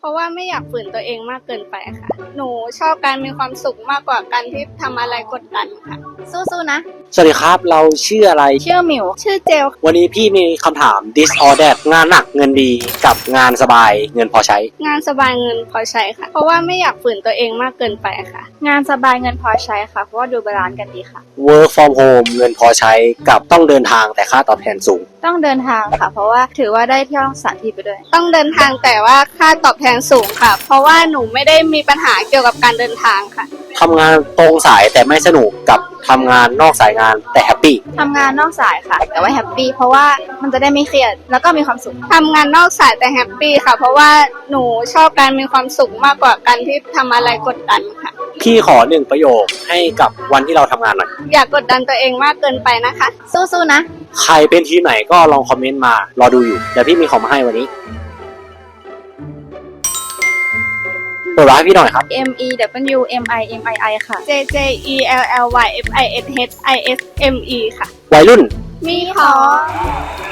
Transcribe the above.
ราะว่าไม่อยากฝืนตัวเองมากเกินไปค่ะหนูชอบการมีความสุขมากกว่าการที่ทำอะไรกดดันค่ะสู้ๆนะสวัสดีครับเราชื่ออะไรชื่อหมิวชื่อเจลวันนี้พี่มีคำถาม this or that งานหนักเงินดีกับงานสบายเงินพอใช้งานสบายเงินพอใช้ค่ะเพราะว่าไม่อยากฝืนตัวเองมากเกินไปค่ะงานสบายเงินพอใช้ค่ะเพราะว่าดูบาลานซ์กันดีค่ะ work from home เงินพอใช้กับต้องเดินทางแต่ค่าตอบแทนสูงต้องเดินทางค่ะเพราะว่าถือว่าได้เที่ยวสถานที่ไปด้วยต้องเดินทางแต่ว่าค่าตอบแทนสูงค่ะเพราะว่าหนูไม่ได้มีปัญหาเกี่ยวกับการเดินทางค่ะทำงานตรงสายแต่ไม่สนุกกับทำงานนอกสายงานแต่แฮปปี้ทำงานนอกสายค่ะแต่ว่าแฮปปี้เพราะว่ามันจะได้ไม่เครียดแล้วก็มีความสุขทำงานนอกสายแต่แฮปปี้ค่ะเพราะว่าหนูชอบการมีความสุขมากกว่าการที่ทำอะไรกดดันค่ะพี่ขอ1ประโยคให้กับวันที่เราทำงานหน่อยอย่ากดดันตัวเองมากเกินไปนะคะสู้ๆนะใครเป็นทีมไหนก็ลองคอมเมนต์มารอดูอยู่เดี๋ยวพี่มีของมาให้วันนี้เปิดร้านให้พี่หน่อยครับ MEWMIMII ค่ะ JJELLYFISHISME ค่ะวัยรุ่นมีของ